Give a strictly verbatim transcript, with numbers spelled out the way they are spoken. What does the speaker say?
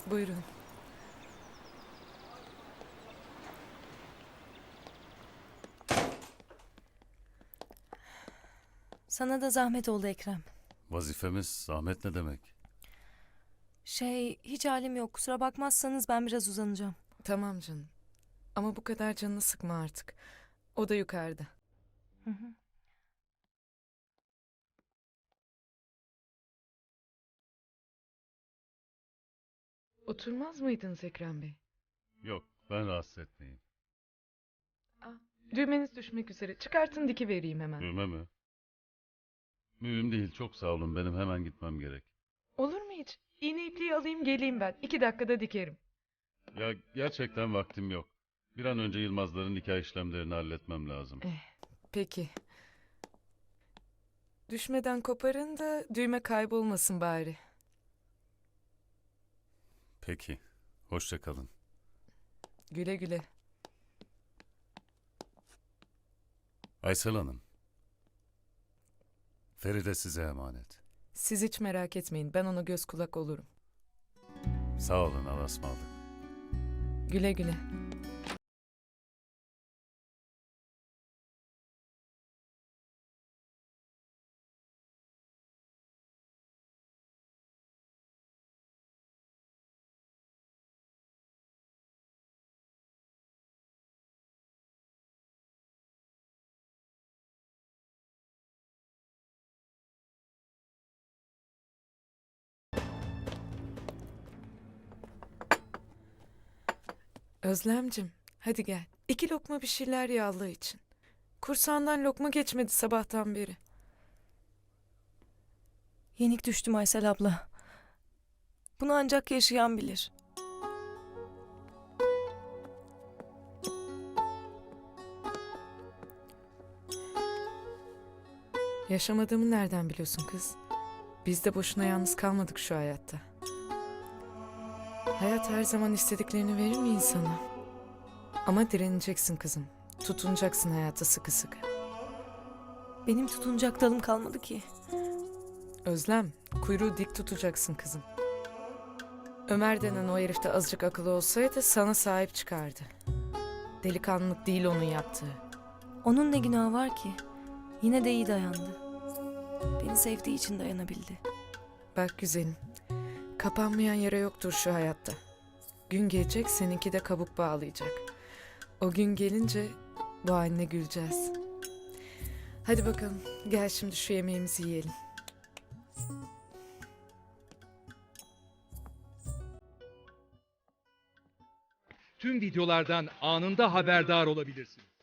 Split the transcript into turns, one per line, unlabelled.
Buyurun.
Sana da zahmet oldu Ekrem.
Vazifemiz zahmet ne demek?
Şey, hiç halim yok. Kusura bakmazsanız ben biraz uzanacağım.
Tamam canım. Ama bu kadar canını sıkma artık. O da yukarıda.
Hı hı.
Oturmaz mıydınız Ekrem Bey?
Yok, ben rahatsız etmeyeyim.
Ah, düğmeniz düşmek üzere. Çıkartın diki vereyim hemen.
Düğme mi? Mühim değil, çok sağ olun. Benim hemen gitmem gerek.
Olur mu hiç? İğne ipliği alayım geleyim ben. İki dakikada dikerim.
Ya gerçekten vaktim yok. Bir an önce Yılmazların nikah işlemlerini halletmem lazım.
Eh, peki. Düşmeden koparın da düğme kaybolmasın bari.
Peki, hoşça kalın.
Güle güle.
Aysel Hanım, Feride size emanet.
Siz hiç merak etmeyin. Ben ona göz kulak olurum.
Sağ olun, Allah'a ısmarladık.
Güle güle. Özlemcim, hadi gel. İki lokma bir şeyler ye Allah için. Kursağından lokma geçmedi sabahtan beri.
Yenik düştüm Aysel abla. Bunu ancak yaşayan bilir.
Yaşamadığımı nereden biliyorsun kız? Biz de boşuna yalnız kalmadık şu hayatta. Hayat her zaman istediklerini verir mi insana? Ama direneceksin kızım. Tutunacaksın hayata sıkı sıkı.
Benim tutunacak dalım kalmadı ki.
Özlem, kuyruğu dik tutacaksın kızım. Ömer denen o herif de azıcık akıllı olsaydı sana sahip çıkardı. Delikanlılık değil onun yaptığı.
Onun ne günahı var ki? Yine de iyi dayandı. Beni sevdiği için dayanabildi.
Bak güzelim, kapanmayan yara yoktur şu hayatta. Gün gelecek seninki de kabuk bağlayacak. O gün gelince bu haline güleceğiz. Hadi bakalım gel şimdi şu yemeğimizi yiyelim.
Tüm videolardan anında haberdar olabilirsiniz.